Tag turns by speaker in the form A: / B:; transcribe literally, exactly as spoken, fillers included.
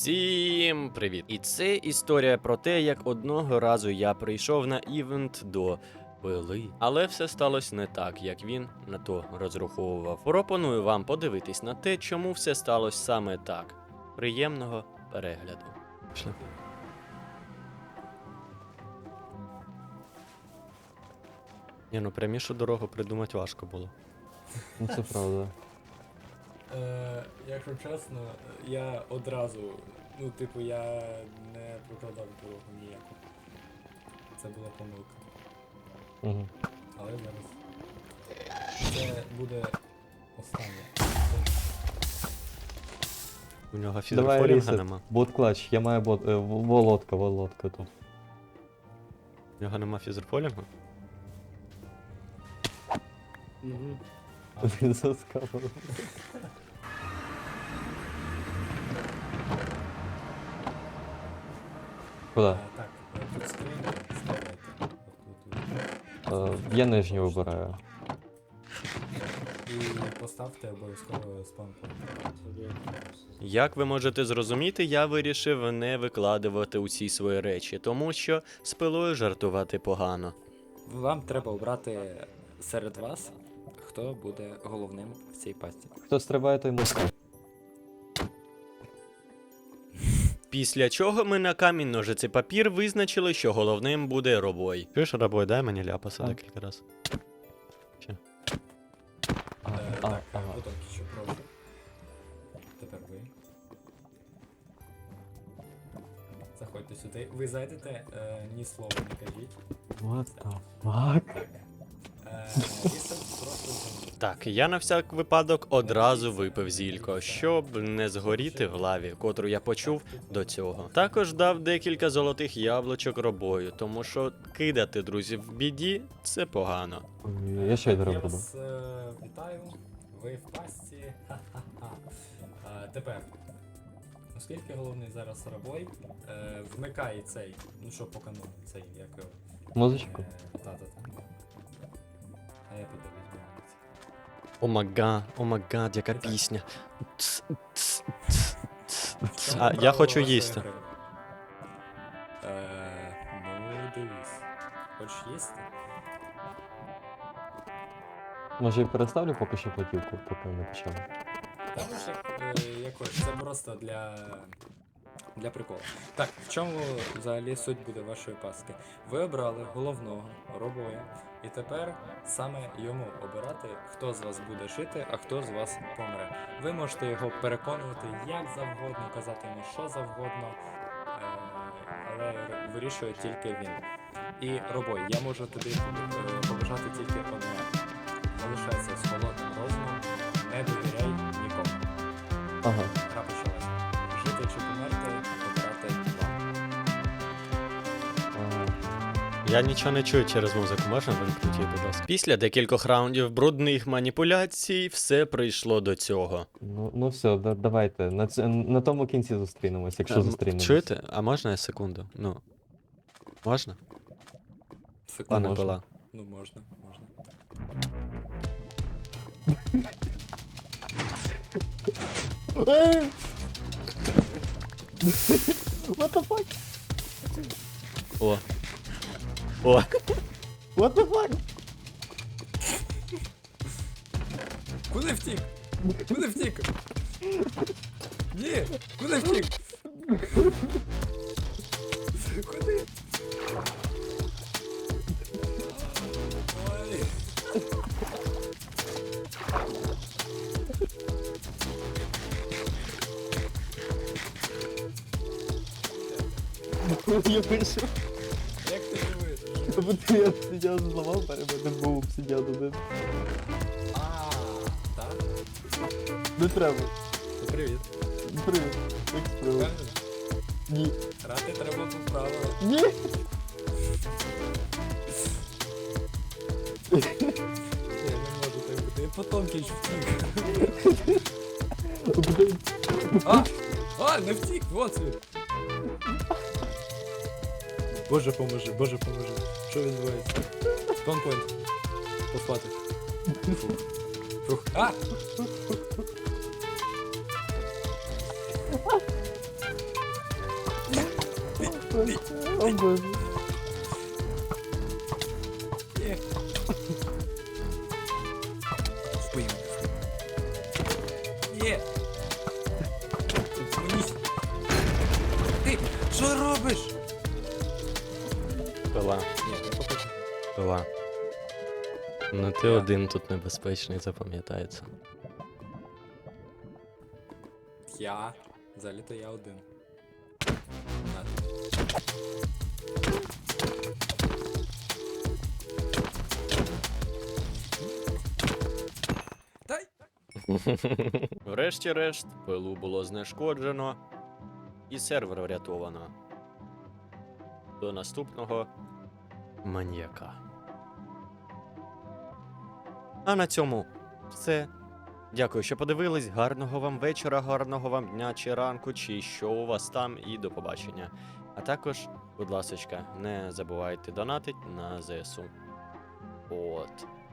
A: Всім привіт! І це історія про те, як одного разу я прийшов на івент до пили. Але все сталося не так, як він на то розраховував. Пропоную вам подивитись на те, чому все сталося саме так. Приємного перегляду. Пішли. Ні, ну прямішу дорогу придумати важко було.
B: Ну це правда.
C: Е, якщо чесно, я одразу, ну, типу, я не прокладав дорогу ніяку. Це була помилка.
B: Угу.
C: Але зараз це буде останнє.
A: У нього
B: Давай
A: фізрофолінга
B: рісет.
A: нема.
B: Бот клач, я маю бот. Е, в- володка, володка тут.
A: У нього нема фізрофолінгу?
C: Угу.
B: Він заскавав. Куда?
C: Е, так, е, тут скриня, ставайте. От тут,
B: Е, я нижню вибираю.
C: і поставте обов'язково спампункт.
A: Як ви можете зрозуміти, я вирішив не викладувати усі свої речі, тому що з пилою жартувати погано.
C: Вам треба обрати серед вас, хто буде головним в цій пасті.
B: Хто стрибає, той мусить.
A: Після чого ми на камінь ножиці папір визначили, що головним буде робой. Чуєш, робой, дай мені ляпаса
B: А.
A: декілька разів.
B: А,
C: Е,
B: а,
C: так,
B: ага.
C: потім що прошу. Тепер ви. Заходьте сюди. Ви зайдете, е, ні слова не кажіть.
B: What the fuck?
C: Е, Ліса просто зайдіть.
A: Так, я на всяк випадок одразу випив зілько, щоб не згоріти в лаві, котру я почув до цього. Також дав декілька золотих яблучок робою, тому що кидати друзів в біді це погано.
B: Ой, Я шейдер
C: Я
B: роблю.
C: вас е, вітаю. Ви в пасті. Ха-ха-ха. Е, Тепер. Оскільки головний зараз рабой, е, вмикай цей, ну що по канону, цей, як його.
B: Музичку?
C: Е, Та-та-та. А я піду візьму.
A: Омага, омага, яка пісня. Ц, ц, ц, ц, ц.
C: Що
A: А я
C: правило
A: хочу
C: вашої
A: їсти.
C: гри? Е, ну, дивись. Хочеш їсти?
B: Може я переставлю поки що платівку, поки не почали.
C: Та може, е, якось, це просто для, для приколу. Так, в чому взагалі суть буде вашої паски? Ви обрали головного робоя, і тепер саме йому обирати, хто з вас буде жити, а хто з вас помре. Ви можете його переконувати як завгодно, казати йому що завгодно, е, але р- вирішує тільки він. І робой, я можу тобі е, побажати тільки одне. Залишайся з холодним розумом, не довіряй нікому.
B: Ага.
C: Гра почалась. Жити чи померти, обирати вам.
B: Ага.
A: Я нічого не чую через музику, можна вимкнути її, будь ласка. Після декількох раундів брудних маніпуляцій все прийшло до цього.
B: Ну, ну все, да, давайте. На, ц- на тому кінці зустрінемось, якщо
A: Ем,
B: зустрінемось.
A: Чуєте? А можна я секунду? Ну. Можна? Пане
B: можна.
A: Пила.
C: Ну можна, можна.
B: What the fuck?
A: О. О.
B: What the fuck?
C: Куди втік? Куди втік? Ні! Куди втік? Куди? Ой.
B: Я вийшов.
C: Як ти живеш?
B: Тобто я обсидіан зламав, перед мене був обсидіан один.
C: А, так?
B: Не треба.
C: То привіт.
B: Привіт. Як справи?
C: Впевнений?
B: Ні.
C: Грати треба по правилам.
B: Ні.
C: Я не можу так бути. Я потом кінч втік.
B: Блін.
C: А! А, не втік! Вот він! Боже поможи, боже поможи. Що відбувається? Спанпойнт. Поспати. Фух. Фух. А!
B: О боже.
C: Ні. Вбий мене. Ні. Зупинись. Ти, що робиш?
A: Пила,
C: Ні, я покажу.
A: пила. Ну ти
C: Я.
A: один тут небезпечний, запам'ятається.
C: Я. Взагалі-то я один. На. Дай!
A: Врешті-решт, пилу було знешкоджено, і сервер врятовано. До наступного маньяка. А на цьому все. Дякую, що подивились. Гарного вам вечора, гарного вам дня чи ранку, чи що у вас там, і до побачення. А також, будь ласочка, не забувайте донатить на ЗСУ. От.